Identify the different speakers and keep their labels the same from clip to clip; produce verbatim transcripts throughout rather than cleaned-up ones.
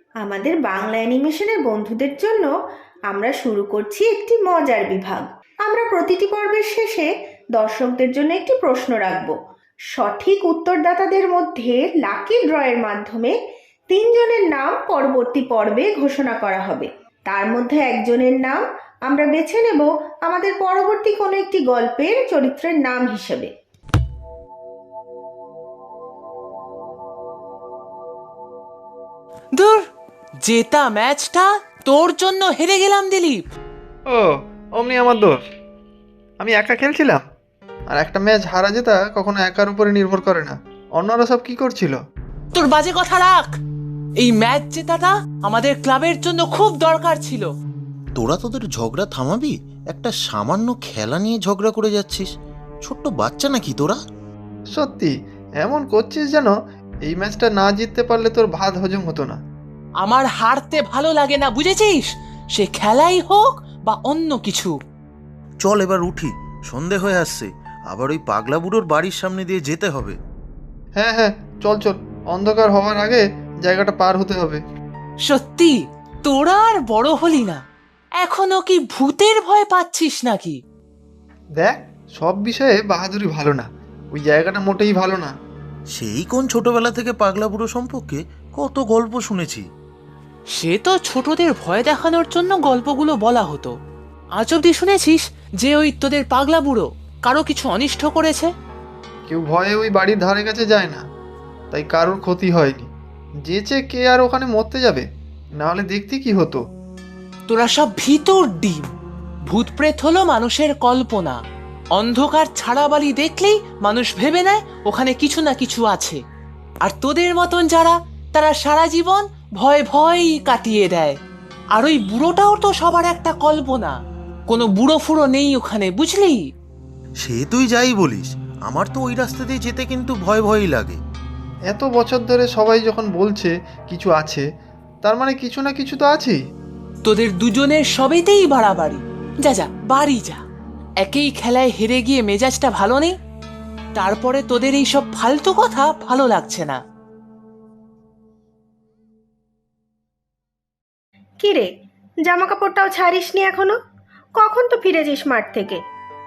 Speaker 1: আমাদের বাংলা অ্যানিমেশনের বন্ধুদের জন্য আমরা শুরু করছি একটি মজার বিভাগ। আমরা প্রতিটি পর্বের শেষে দর্শকদের জন্য একটি প্রশ্ন রাখব। সঠিক উত্তরদাতাদের মধ্যে লাকি ড্রয়ের মাধ্যমে তিনজনের নাম পরবর্তী পর্বে ঘোষণা করা হবে। তার মধ্যে একজনের নাম আমরা বেছে নেব আমাদের পরবর্তী কোনো একটি গল্পের চরিত্রের নাম হিসেবে।
Speaker 2: দূর, জেতা ম্যাচটা তোর জন্য হেরে গেলাম দিলীপ।
Speaker 3: ও, অমনি আমার দোষ। আমি একা খেলছিলাম, আর একটা ম্যাচ হারা জেতা কখনো একার উপরে নির্ভর করে না। অন্যরা সব কি করছিল?
Speaker 2: তোর বাজে কথা রাখ। এই ম্যাচ জেতাটা আমাদের ক্লাবের জন্য খুব দরকার ছিল।
Speaker 4: তোরা তোদের ঝগড়া থামাবি? একটা সামান্য খেলা নিয়ে ঝগড়া করে যাচ্ছিস। ছোট্ট বাচ্চা নাকি তোরা?
Speaker 3: সত্যি এমন করছিস যেন এই ম্যাচটা না জিততে পারলে তোর ভাত হজম হতো না।
Speaker 2: আমার হারতে ভালো লাগে না, বুঝেছিস? সে খেলাই হোক বা অন্য কিছু।
Speaker 4: চল এবার উঠি, সন্ধে হয়ে আসছে। আবার ওই পাগলা বুড়োর বাড়ির সামনে দিয়ে যেতে হবে।
Speaker 3: হ্যাঁ হ্যাঁ, চল চল, অন্ধকার হওয়ার আগে জায়গাটা পার হতে হবে।
Speaker 2: সত্যি তোরা আর বড় হলি না, এখনো কি ভূতের ভয় পাচ্ছিস নাকি?
Speaker 3: দেখ, সব বিষয়ে বাহাদুরি ভালো না, ওই জায়গাটা মোটেই ভালো না।
Speaker 4: সেই কোন ছোটবেলা থেকে পাগলা বুড়ো সম্পর্কে কত গল্প শুনেছি।
Speaker 2: সে তো ছোটদের ভয় দেখানোর জন্য গল্পগুলো বলা হতো। আজ অব্দি শুনেছিস যে ওই তোদের পাগলা বুড়ো কারো কিছু অনিষ্ট করেছে?
Speaker 3: কেউ ভয়ে ওই বাড়ির ধারে কাছে যায় না, তাই কারোর ক্ষতি হয়নি। যেচে কে আর ওখানে মরতে যাবে? নাহলে দেখতে কি হতো।
Speaker 2: তোরা সব ভিতর ডিম। ভূত প্রেত হলো মানুষের কল্পনা। অন্ধকার ছাড়া বালি দেখলেই মানুষ ভেবে নেয় ওখানে কিছু না কিছু আছে। আর তোদের মতন যারা, তারা সারা জীবন ভয় ভয়ই কাটিয়ে দেয়। আর ওই বুড়োটাও তো সবার একটা কল্পনা। কোনো বুড়ো ফুড়ো নেই ওখানে, বুঝলি?
Speaker 4: সে তুই যাই বলিস, আমার তো ওই রাস্তা দিয়ে যেতে কিন্তু ভয় ভয়ই লাগে।
Speaker 3: এত বছর ধরে সবাই যখন বলছে কিছু আছে, তার মানে কিছু না কিছু তো আছেই।
Speaker 2: তোদের দুজনের সবেতেই বাড়াবাড়ি। যা যা, বাড়ি যা। একই খেলায় হেরে গিয়ে মেজাজটা ভালো নেই, তারপরে তোদের এই সব ফালতু কথা ভালো লাগছে না।
Speaker 1: কিরে, জামা কাপড়টাও ছাড়িসনি এখনো? কখন তো ফিরেছিস মাঠ থেকে?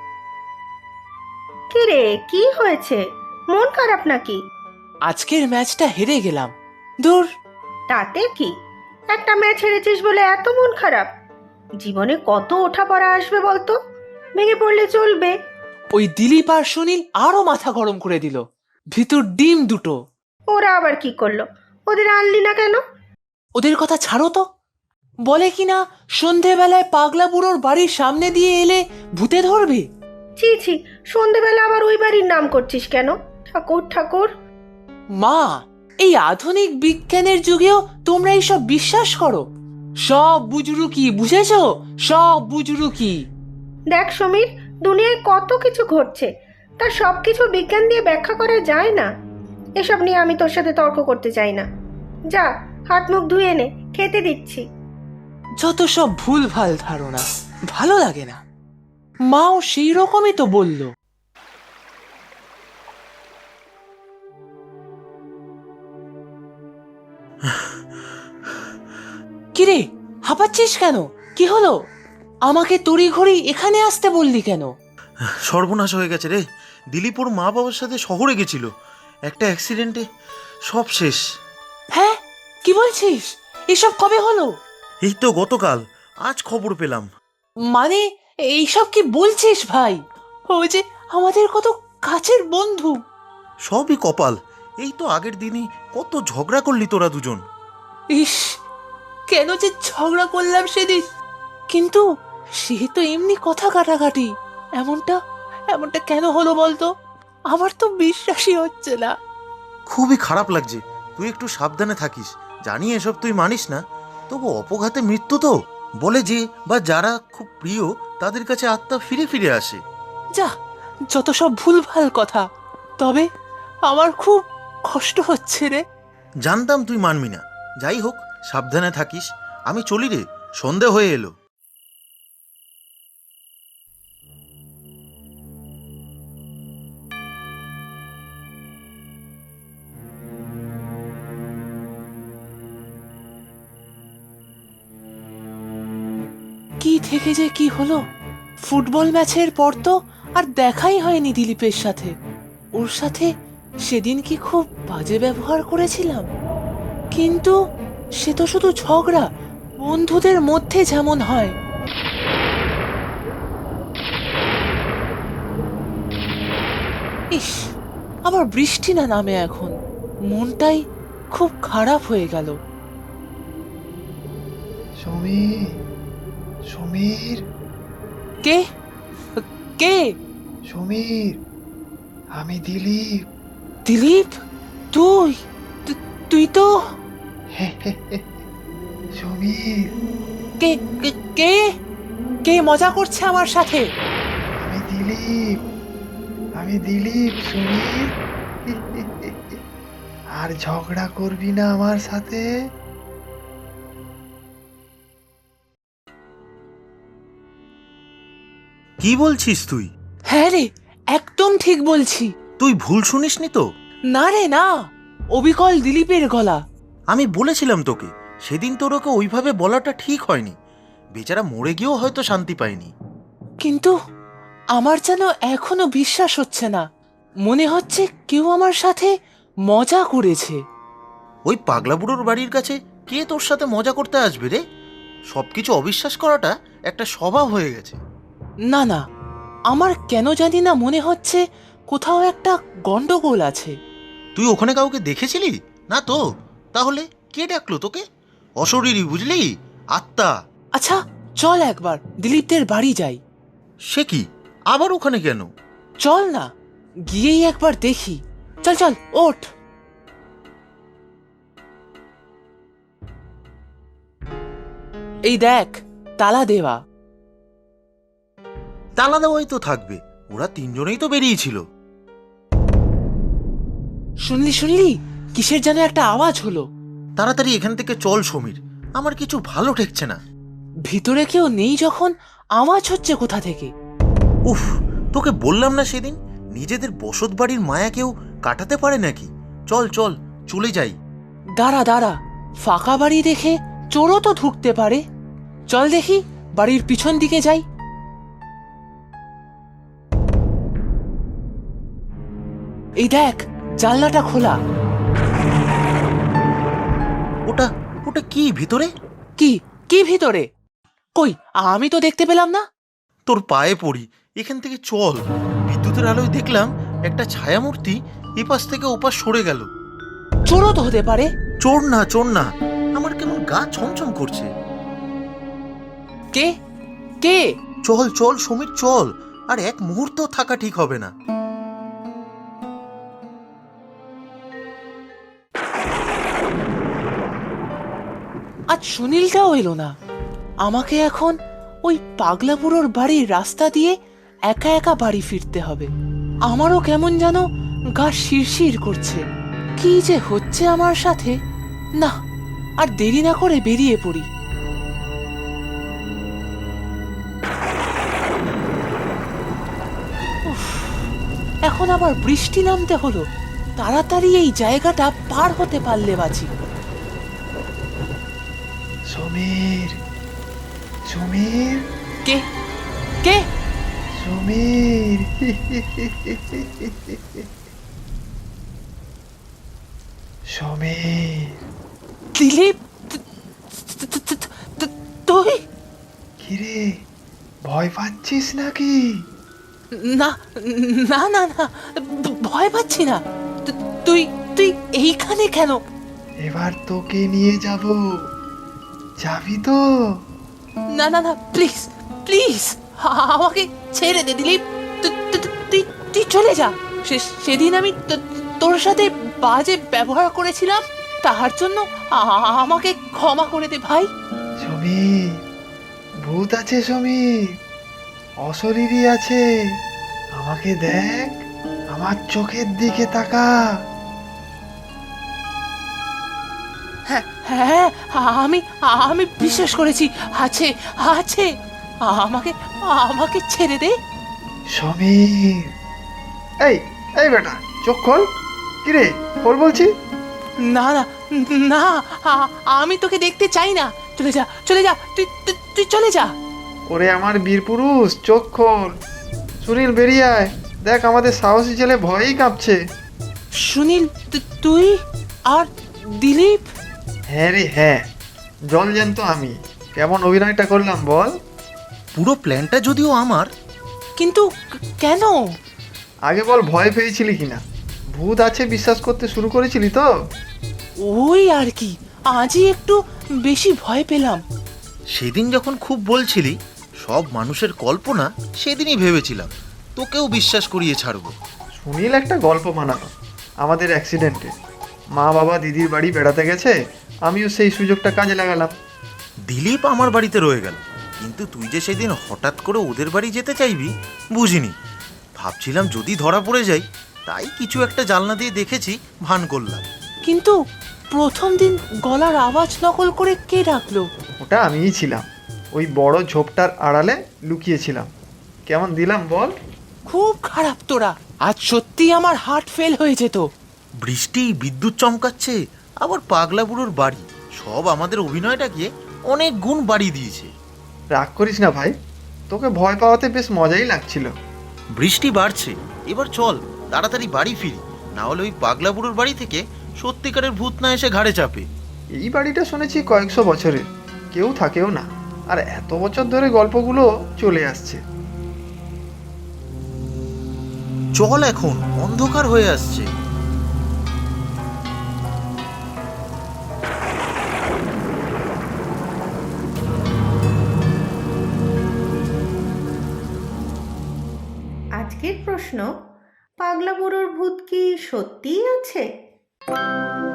Speaker 1: কিরে, কি হয়েছে? মন খারাপ নাকি?
Speaker 2: আজকের ম্যাচটা হেরে গেলাম। দূর।
Speaker 1: তাতে কি? একটা ম্যাচ হেরেছিস বলে এত মন খারাপ? জীবনে কত ওঠাপড়া আসবে বলতো? ভেঙে পড়লে চলবে?
Speaker 2: ওই দিলীপ আর সুনীল আরো মাথা গরম করে দিল। ভিতর ডিম দুটো।
Speaker 1: ওরা আবার কি করলো? ওদের আনলি না কেন?
Speaker 2: ওদের কথা ছাড়ো তো। বলে কিনা সন্ধেবেলায় পাগলা বুড়োর বাড়ির সামনে দিয়ে এলে ভূতে ধরবে।
Speaker 1: ছি ছি, সন্ধেবেলা আবার ওই বাড়ির নাম করছিস কেন? ঠাকুর ঠাকুর।
Speaker 2: মা, এই আধুনিক বিজ্ঞানের যুগেও তোমরা এইসব বিশ্বাস করো? সব বুজরুকি, বুঝেছো? সব বুজরুকি।
Speaker 1: দেখ সমীর, দুনিয়ায় কত কিছু ঘটছে, তা সব কিছু বিজ্ঞান দিয়ে ব্যাখ্যা করা যায় না। এসব নিয়ে আমি তোর সাথে তর্ক করতে চাই না। যা, হাত মুখ ধুয়ে নে, খেতে দিচ্ছি।
Speaker 2: যত সব ভুল ভাল ধারণা, ভালো লাগে না। মাও সেই রকমই তো বলল। কিরে, হাঁপাচ্ছিস কেন? কি হলো? আমাকে তড়িঘড়ি এখানে আসতে বললি কেন?
Speaker 4: সর্বনাশ হয়ে গেছে রে। দিলীপ ওর মা বাবার সাথে শহরে গেছিল, একটা অ্যাক্সিডেন্টে সব শেষ।
Speaker 2: হ্যাঁ, কি বলছিস? এসব কবে হলো?
Speaker 4: এই তো গতকাল, আজ খবর পেলাম।
Speaker 2: মানে এইসব কি বলছিস ভাই? ও যে আমাদের কত কাছের বন্ধু।
Speaker 4: সবই কপাল। এই তো আগের দিনই কত ঝগড়া করলি তোরা দুজন।
Speaker 2: ইস, কেন যে ঝগড়া করলাম সেদিন। কিন্তু সে তো এমনি কথা কাটাকাটি। এমনটা এমনটা কেন হলো বলতো? আমার তো বিশ্বাসই হচ্ছে না।
Speaker 4: খুবই খারাপ লাগছে। তুই একটু সাবধানে থাকিস। জানি এসব তুই মানিস না, তবু অপঘাতে মৃত্যু তো। বলে যে বা যারা খুব প্রিয় তাদের কাছে আত্মা ফিরে ফিরে আসে।
Speaker 2: যা, যত সব ভুলভাল কথা। তবে আমার খুব কষ্ট হচ্ছে রে।
Speaker 4: জানতাম তুই মানবি না। যাই হোক, সাবধানে থাকিস। আমি চলি রে, সন্ধে হয়ে এলো।
Speaker 2: কি থেকে যে কি হলো? ফুটবল ম্যাচের পর তো আর দেখাই হয়নি দিলীপের সাথে। ওর সাথে সেদিন কি খুব বাজে ব্যবহার করেছিলাম? কিন্তু সে তো শুধু ঝগড়া, বন্ধুদের মধ্যে যেমন হয়। ইস, আবার বৃষ্টি না নামে এখন, মনটাই খুব খারাপ হয়ে গেল।
Speaker 3: সমীর, সমীর,
Speaker 2: কে কে
Speaker 3: সমীর, আমি দিলীপ।
Speaker 2: দিলীপ, তুই তু- তুই তো
Speaker 3: সমীর,
Speaker 2: কে কে- কে কে মজা করছে আমার সাথে?
Speaker 3: আমি দিলীপ, আমি দিলীপ সমীর। আর ঝগড়া করবি না আমার সাথে।
Speaker 4: কি বলছিস তুই?
Speaker 2: হ্যাঁ রে, একদম ঠিক বলছি।
Speaker 4: তুই ভুল শুনিসনি তো?
Speaker 2: না রে না, অবিকল দিলীপের গলা।
Speaker 4: আমি বলেছিলাম তোকে, সেদিন তোর ওকে ওইভাবে বলাটা ঠিক হয়নি। বেচারা মরে গিয়েও হয়তো শান্তি পায়নি।
Speaker 2: কিন্তু আমার যেন এখনো বিশ্বাস হচ্ছে না। মনে হচ্ছে কেউ আমার সাথে মজা করেছে।
Speaker 4: ওই পাগলা বুড়োর বাড়ির কাছে কে তোর সাথে মজা করতে আসবে রে? সবকিছু অবিশ্বাস করাটা একটা স্বভাব হয়ে গেছে।
Speaker 2: না না, আমার কেন জানি না মনে হচ্ছে কোথাও একটা গন্ডগোল আছে।
Speaker 4: তুই ওখানে কাউকে দেখেছিলি? না তো। তাহলে কে ডাকলো তোকে? অশরীরী, বুঝলি? আত্মা।
Speaker 2: আচ্ছা, চল একবার দিলীপদের বাড়ি যাই।
Speaker 4: সে কি, আবার ওখানে কেন?
Speaker 2: চল না, গিয়েই একবার দেখি। চল চল, ওঠ। এই দেখ, তালা দেওয়া।
Speaker 4: তালা দেওয়াই তো থাকবে, ওরা তিনজনেই তো বেরিয়েছিল।
Speaker 2: শুনলি শুনলি, কিসের যেন একটা আওয়াজ হলো।
Speaker 4: তাড়াতাড়ি এখান থেকে চল সমীর, আমার কিছু ভালো ঠেকছে না।
Speaker 2: ভিতরে কেউ নেই যখন আওয়াজ হচ্ছে কোথা থেকে?
Speaker 4: উফ, তোকে বললাম না সেদিন, নিজেদের বসত বাড়ির মায়া কেউ কাটাতে পারে নাকি? চল চল, চলে যাই।
Speaker 2: দাঁড়া দাঁড়া, ফাঁকা বাড়ি দেখে চোরও তো ঢুকতে পারে। চল দেখি, বাড়ির পিছন দিকে যাই। এই দেখ, জানলাটা খোলা।
Speaker 4: ওটা ওটা কি ভিতরে?
Speaker 2: কি কি ভিতরে? কই, আমি তো দেখতে পেলাম না।
Speaker 4: তোর পায়ে পড়ি, এখান থেকে চল। বিদ্যুতের আলোয় দেখলাম একটা ছায়ামূর্তি এপাশ থেকে ওপাশ সরে গেল।
Speaker 2: চোরও তো হতে পারে।
Speaker 4: চোর না, চোর না, আমার কেমন গা ছমছম করছে।
Speaker 2: কে কে?
Speaker 4: চল চল সমীর, চল। আর এক মুহূর্ত থাকা ঠিক হবে না।
Speaker 2: আজ সুনীলটাও এলো না। আমাকে এখন ওই পাগলা বুড়োর বাড়ির রাস্তা দিয়ে একা একা বাড়ি ফিরতে হবে। আমারও কেমন যেন গা শিরশির করছে। কি যে হচ্ছে আমার সাথে! না, আর দেরি না করে বেরিয়ে পড়ি। উফ, এখন আবার বৃষ্টি নামতে হলো। তাড়াতাড়ি এই জায়গাটা পার হতে পারলে বাঁচি।
Speaker 3: সমীর, সমীর,
Speaker 2: কে কে?
Speaker 3: সমীর। সমীর,
Speaker 2: দিলীপ, তু- তু- তু- তু- তু- তুই?
Speaker 3: কিরে, ভয় পাচ্ছিস নাকি?
Speaker 2: না না না না, ভ- ভয় পাচ্ছি না। তু- তুই তুই এইখানে কেন?
Speaker 3: এবার তোকে নিয়ে যাব, যাবি তো?
Speaker 2: না না না, প্লিজ প্লিজ, আমাকে ছেড়ে দে দিলীপ। তু- তু- তু- তুই তুই চলে যা। সে- সেদিন আমি তো- তোর সাথে বাজে ব্যবহার করেছিলাম, তার জন্য আ- আমাকে ক্ষমা করে দে ভাই।
Speaker 3: সমীর, ভূত আছে সমীর, অশরীরী আছে। আমাকে দেখ, আমার চোখের দিকে তাকা।
Speaker 2: হ্যাঁ হ্যাঁ, আমি আমি বিশ্বাস করেছি, আছে আছে। আমাকে আমাকে ছেড়ে দে।
Speaker 3: সমীর, এই এই বেটা, চোখ খোল। কিরে, খোল বলছি।
Speaker 2: না না না, আ- আমি তোকে দেখতে চাই না। চলে যা চলে যা, তুই তুই- তুই চলে যা।
Speaker 3: ওরে আমার বীর পুরুষ, চোখ খোল। সুনীল বেরিয়ে আয়, দেখ আমাদের সাহসী ছেলে ভয়েই কাঁপছে।
Speaker 2: সুনীল, তু- তুই আর দিলীপ?
Speaker 3: হ্যাঁ রে হ্যাঁ, জল জ্যান্ত আমি। কেমন অভিনয়টা করলাম বল?
Speaker 4: পুরো প্ল্যানটা যদিও আমার।
Speaker 2: কিন্তু ক- কেন?
Speaker 3: আগে বল, ভয় পেয়েছিলি কিনা? ভূত আছে বিশ্বাস করতে শুরু করেছিলি তো?
Speaker 2: ওই আর কি, আজই একটু বেশি ভয় পেলাম।
Speaker 4: সেদিন যখন খুব বলছিলি সব মানুষের কল্পনা, সেদিনই ভেবেছিলাম তোকেও বিশ্বাস করিয়ে ছাড়বো।
Speaker 3: সুনীল একটা গল্প বানানো আমাদের অ্যাক্সিডেন্টে। মা বাবা দিদির বাড়ি বেড়াতে গেছে, আমিও সেই সুযোগটা কাজে লাগালাম।
Speaker 4: দিলীপ আমার বাড়িতে রয়ে গেল, কিন্তু তুই যে সেদিন হঠাৎ করে ওদের বাড়ি যেতে চাইবি বুঝিনি। ভাবছিলাম যদি ধরা পড়ে যাই, তাই কিছু একটা জানলা দিয়ে দেখেছি, ভান করলাম।
Speaker 2: কিন্তু প্রথম দিন গলার আওয়াজ নকল করে কে ডাকলো?
Speaker 3: ওটা আমিই ছিলাম, ওই বড় ঝোপটার আড়ালে লুকিয়েছিলাম। কেমন দিলাম বল?
Speaker 2: খুব খারাপ তোরা, আজ সত্যি আমার হার্ট ফেল হয়ে যেত।
Speaker 4: বৃষ্টি, বিদ্যুৎ চমকাচ্ছে, আবার পাগলা বুড়োর বাড়ি, সব আমাদের অভিনয়টাকে অনেক গুণ বাড়িয়ে দিয়েছে।
Speaker 3: রাগ করিস না ভাই, তোকে ভয় পাওয়াতে বেশ মজাই লাগছিল।
Speaker 4: বৃষ্টি বাড়ছে, এবার চল তাড়াতাড়ি বাড়ি ফিরি, না হলে ওই পাগলা বুড়োর বাড়ি থেকে সত্যিকারের ভূত না এসে ঘাড়ে চাপে।
Speaker 3: এই বাড়িটা শুনেছি কয়েকশো বছরের, কেউ থাকেও না, আর এত বছর ধরে গল্পগুলো চলে আসছে।
Speaker 4: চল, এখন অন্ধকার হয়ে আসছে।
Speaker 1: আজকের প্রশ্ন, পাগলা বুড়োর ভূত কি সত্যিই আছে?